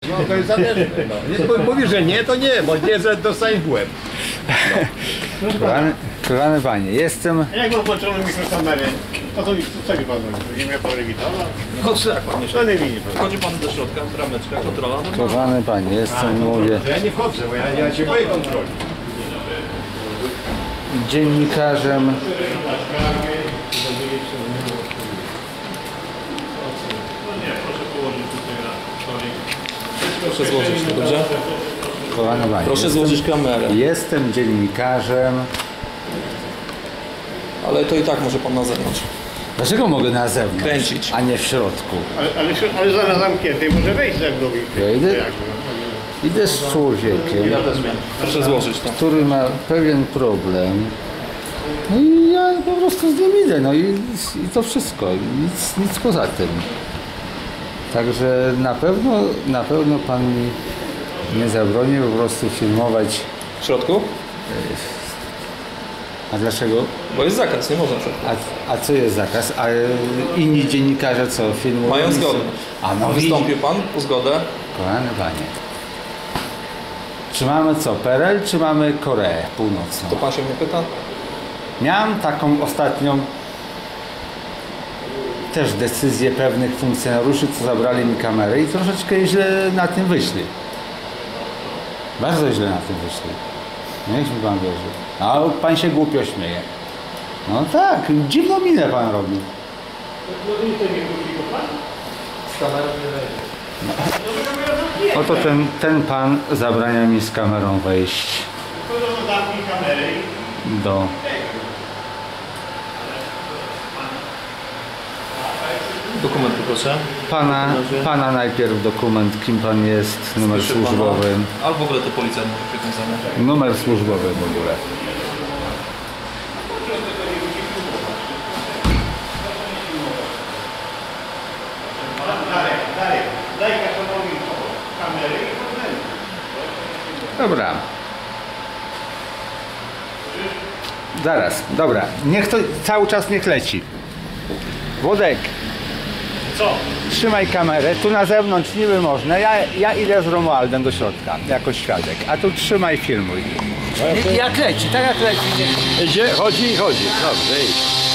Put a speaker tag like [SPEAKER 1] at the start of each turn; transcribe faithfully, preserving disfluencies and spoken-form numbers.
[SPEAKER 1] No to jest zależne. No. Nie, mówi, że nie, to nie, bo nie, że dostań w łeb. No.
[SPEAKER 2] Kochany, kochany panie, jestem...
[SPEAKER 3] Jak mam włączoną mikrokamerę, to co, co mi pan mówi? Nie miał pan rewitala?
[SPEAKER 1] No tak, panie.
[SPEAKER 3] To nie widzi pan.
[SPEAKER 4] Wchodzi pan do środka, brameczka, kontrola. No,
[SPEAKER 2] Kochany panie, jestem, mówię,
[SPEAKER 1] Ja nie wchodzę, bo ja, ja się boję kontroli.
[SPEAKER 2] dziennikarzem.
[SPEAKER 4] proszę złożyć, dobrze?
[SPEAKER 2] Kochany panie,
[SPEAKER 4] Proszę
[SPEAKER 2] jestem,
[SPEAKER 4] złożyć kamerę.
[SPEAKER 2] jestem dziennikarzem.
[SPEAKER 4] Ale to i tak może pan na zewnątrz.
[SPEAKER 2] Dlaczego mogę na zewnątrz,
[SPEAKER 4] Kręcić.
[SPEAKER 2] a nie w środku?
[SPEAKER 3] Ale, ale, ale zaraz zamknięty, może wejść ze mną i...
[SPEAKER 2] Ja idę,
[SPEAKER 3] Jak, no?
[SPEAKER 2] idę z człowiekiem,
[SPEAKER 4] Proszę złożyć to.
[SPEAKER 2] który ma pewien problem. No i ja po prostu z nim idę, no i, i to wszystko, nic, nic poza tym. Także na pewno, na pewno pan mi nie zabroni po prostu filmować.
[SPEAKER 4] W środku?
[SPEAKER 2] A dlaczego?
[SPEAKER 4] Bo jest zakaz, nie można w środku.
[SPEAKER 2] A, a co jest zakaz? A inni dziennikarze co filmują?
[SPEAKER 4] Mają zgodę.
[SPEAKER 2] A no
[SPEAKER 4] Wystąpił pan po zgodę?
[SPEAKER 2] Kochany panie. Czy mamy co, P R L, czy mamy Koreę Północną?
[SPEAKER 4] To pan się mnie pyta?
[SPEAKER 2] Miałem taką ostatnią też decyzję pewnych funkcjonariuszy, co zabrali mi kamerę i troszeczkę źle na tym wyszli. Bardzo źle na tym wyszli. Niech mi pan wierzy. A pan się głupio śmieje. No tak, dziwną minę pan robi. No. Oto ten, ten pan zabrania mi z kamerą wejść do...
[SPEAKER 4] Dokumenty proszę.
[SPEAKER 2] Pana, pana najpierw dokument, kim pan jest, numer
[SPEAKER 4] Słyszy
[SPEAKER 2] służbowy.
[SPEAKER 4] pana? Albo w ogóle to policjant może przywiązany.
[SPEAKER 2] Numer służbowy w ogóle. Dobra. Zaraz, dobra. Niech to cały czas niech leci. Włodek.
[SPEAKER 3] Co?
[SPEAKER 2] Trzymaj kamerę, tu na zewnątrz niby można, ja, ja idę z Romualdem do środka, jako świadek, a tu trzymaj, filmuj. Jak leci, tak jak leci.
[SPEAKER 1] Idzie, chodzi i chodzi. Dobrze, idź.